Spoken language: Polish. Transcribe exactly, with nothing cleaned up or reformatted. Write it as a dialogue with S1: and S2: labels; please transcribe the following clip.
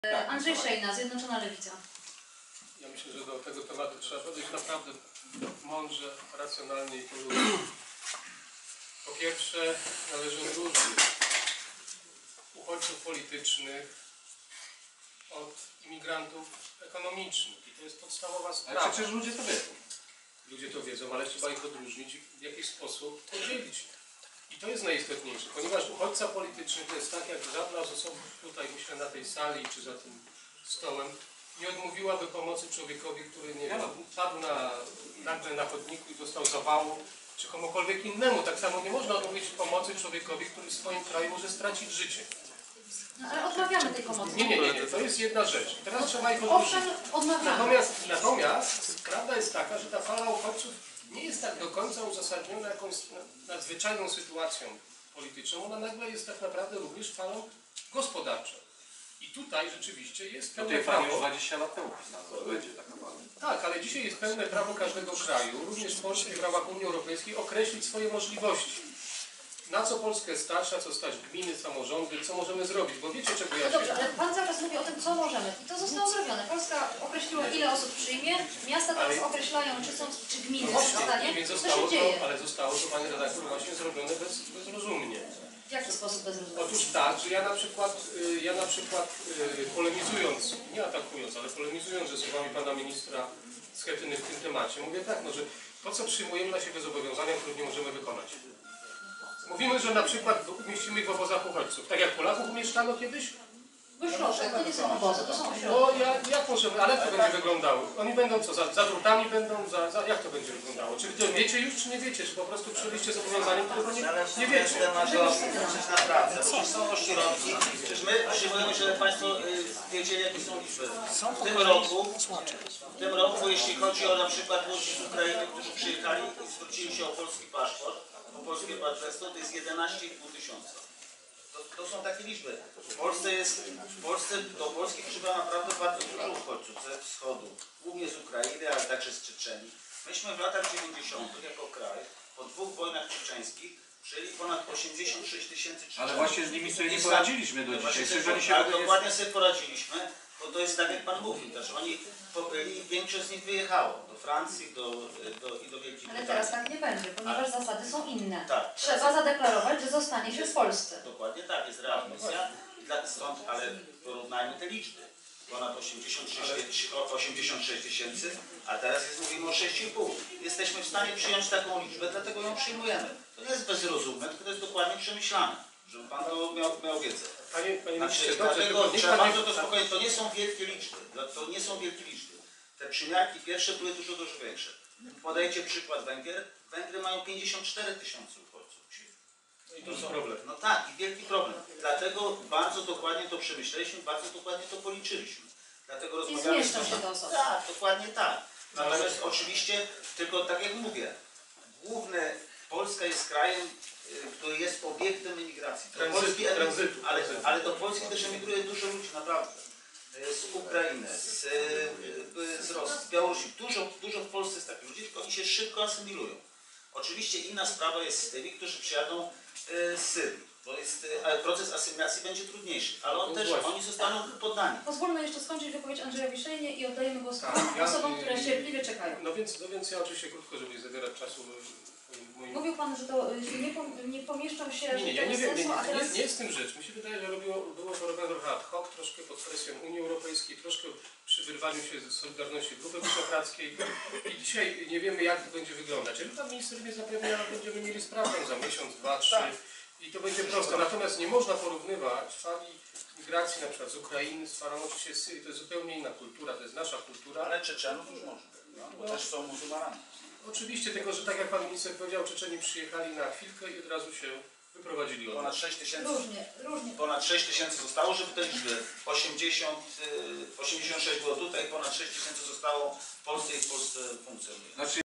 S1: Andrzej Szejna, Zjednoczona Lewica.
S2: Ja myślę, że do tego tematu trzeba podejść naprawdę mądrze, racjonalnie i po ludzku. Po pierwsze, należy odróżnić uchodźców politycznych od imigrantów ekonomicznych. I to jest podstawowa sprawa.
S3: Ale przecież ludzie to wiedzą.
S2: Ludzie to wiedzą, ale trzeba ich odróżnić i w jakiś sposób podzielić. I to jest najistotniejsze, ponieważ uchodźca polityczny to jest tak, jak żadna z osób tutaj, myślę, na tej sali czy za tym stołem, nie odmówiłaby pomocy człowiekowi, który nie wiem, padł na, nagle na chodniku i dostał zawału, czy komukolwiek innemu. Tak samo nie można odmówić pomocy człowiekowi, który w swoim kraju może stracić życie.
S1: No, ale odmawiamy tej pomocy.
S2: Nie, nie, nie, nie. To jest jedna rzecz. I teraz trzeba ich odróżnić.
S1: Owszem, odmawiamy.
S2: Natomiast, natomiast prawda jest taka, że ta fala uchodźców nie jest tak do końca uzasadniona jakąś nadzwyczajną sytuacją polityczną. Ona nagle jest tak naprawdę również falą gospodarczą. I tutaj rzeczywiście jest pełne prawo.
S3: dwadzieścia lat temu pisano, będzie taka fala.
S2: Tak, ale dzisiaj jest pełne prawo każdego kraju, również Polski w ramach Unii Europejskiej, określić swoje możliwości. Na co Polskę stać, na co stać gminy, samorządy, co możemy zrobić, bo wiecie czego ja
S1: No
S2: się...
S1: dobrze, ale Pan cały czas mówi o tym, co możemy. I to zostało zrobione. Polska określiła, ile osób przyjmie, miasta teraz
S2: Ale-
S1: określają, czy są, czy gminy
S2: No
S1: są w
S2: właśnie,
S1: stanie.
S2: więc
S1: Co
S2: zostało
S1: się dzieje?
S2: to, ale zostało to, Panie redaktor, właśnie zrobione bez, bezrozumnie.
S1: W jaki sposób bez rozwoju?
S2: Otóż tak, że ja na przykład, y, ja na przykład y, polemizując, nie atakując, ale polemizując ze słowami Pana Ministra Schetyny w tym temacie, mówię tak, no, że po co przyjmujemy na siebie zobowiązania, których nie możemy wykonać? Mówimy, że na przykład umieścimy ich w obozach uchodźców, tak jak Polaków umieszczano kiedyś.
S1: Bo proszę, to nie są obozy, to są ośrodki.
S2: No ja, jak możemy, ale jak to będzie wyglądało? Oni będą co, za, za drutami będą, za, za, jak to będzie wyglądało? Czy wy to wiecie już, czy nie wiecie? Czy po prostu przyjęliście zobowiązanie, którego nie, nie wiecie?
S4: Temat do przecież naprawdę, przecież są ośrodki, przecież my przyjmujemy, żeby Państwo y, wiedzieli, jakie są liczby. W tym roku, w tym roku, jeśli chodzi o na przykład ludzi z Ukrainy, którzy przyjechali i zwrócili się o polski paszport, o polskie partnerstwo, to jest jedenaście i pół tysiąca. To, to są takie liczby. W Polsce jest, w Polsce do Polski przybywa naprawdę bardzo dużo uchodźców ze wschodu, głównie z Ukrainy, ale także z Czeczenii. Myśmy w latach dziewięćdziesiątych jako kraj, po dwóch wojnach czeczeńskich, przyjęli ponad osiemdziesiąt sześć tysięcy Czeczenów.
S3: Ale właśnie z nimi sobie nie poradziliśmy do dzisiaj. Jeżeli się
S4: Tak, dokładnie sobie poradziliśmy, bo to jest tak, jak Pan mówił, też oni pobyli i większość z nich wyjechało do Francji do, do, i do Wielkiej
S1: Ale
S4: Brytanii.
S1: teraz tak nie będzie, ponieważ zasady są inne.
S4: Tak.
S1: Trzeba zadeklarować, że zostanie się w Polsce.
S4: Dokładnie tak, jest readmisja, i dla, stąd, ale porównajmy te liczby. Ponad osiemdziesiąt sześć tysięcy, a teraz jest, mówimy o sześć i pół. Jesteśmy w stanie przyjąć taką liczbę, dlatego ją przyjmujemy. To nie jest bezrozumne, tylko to jest dokładnie przemyślane, żeby Pan to miał, miał wiedzę.
S2: Panie, panie
S4: Znaczy,
S2: ministrze, dobrze,
S4: dlatego
S2: tylko niech
S4: trzeba
S2: pan
S4: bardzo
S2: nie-
S4: to spokojnie, to nie są wielkie liczby, to nie są wielkie liczby. Te przymiarki pierwsze były dużo, dużo większe. Podajcie przykład Węgier. Węgry mają pięćdziesiąt cztery tysiące uchodźców.
S2: I to jest problem.
S4: No tak, i wielki problem. Dlatego bardzo dokładnie to przemyśleliśmy, bardzo dokładnie to policzyliśmy. Dlatego
S1: I
S4: rozmawiamy
S1: zmieszczą się te osoby.
S4: Tak, dokładnie tak. Natomiast oczywiście, tylko tak jak mówię, główne, Polska jest krajem, y, który jest obiektem emigracji. Do
S2: Tranzytu,
S4: Polski,
S2: tranzytu,
S4: ale,
S2: tranzytu.
S4: ale do Polski też emigruje dużo ludzi, naprawdę. Y, Z Ukrainy, z, y, y, z Rosji, z Białorusi. Dużo, dużo w Polsce jest takich ludzi, tylko oni się szybko asymilują. Oczywiście inna sprawa jest z tymi, którzy przyjadą y, z Syrii. Bo jest, y, ale proces asymilacji będzie trudniejszy, ale on
S2: No
S4: też,
S2: właśnie.
S4: oni zostaną poddani.
S1: Pozwólmy jeszcze skończyć wypowiedź Andrzejowi Szejnie i oddajemy głos
S2: Tak,
S1: tym
S2: ja-
S1: osobom, które cierpliwie czekają.
S2: No więc, no więc ja oczywiście krótko, żeby nie zabierać czasu y, moim...
S1: Mówił Pan, że to y, nie, pom- nie pomieszczą się,
S2: Nie, nie,
S1: że
S2: ja
S1: to
S2: nie
S1: bez
S2: wiem, nie,
S1: sensu, a
S2: nie, nie,
S1: teraz...
S2: nie jest w tym rzecz. Mi się wydaje, że robiło, było to robione trochę ad hoc, troszkę pod presją Unii Europejskiej, troszkę przy wyrwaniu się ze Solidarności Grupy Wyszehradzkiej i dzisiaj nie wiemy, jak to będzie wyglądać. Ale pan minister mnie zapewnia, że będziemy mieli sprawę za miesiąc, dwa, trzy i to będzie proste. Natomiast nie można porównywać fali migracji na przykład z Ukrainy z falą oczywiście z Syrii. To jest zupełnie inna kultura, to jest nasza kultura.
S4: Ale Czeczenów już można, no, bo też są muzułmanami.
S2: Oczywiście, tylko że tak jak pan minister powiedział, Czeczeni przyjechali na chwilkę i od razu się wyprowadzili od nas.
S4: Ponad sześć tysięcy.
S1: Różnie, różnie.
S4: Ponad sześć tysięcy zostało, żeby te liczby osiemdziesiąt, y, osiemdziesiąt sześć było tutaj, ponad sześć tysięcy zostało w Polsce i w Polsce funkcjonuje.
S3: Znaczy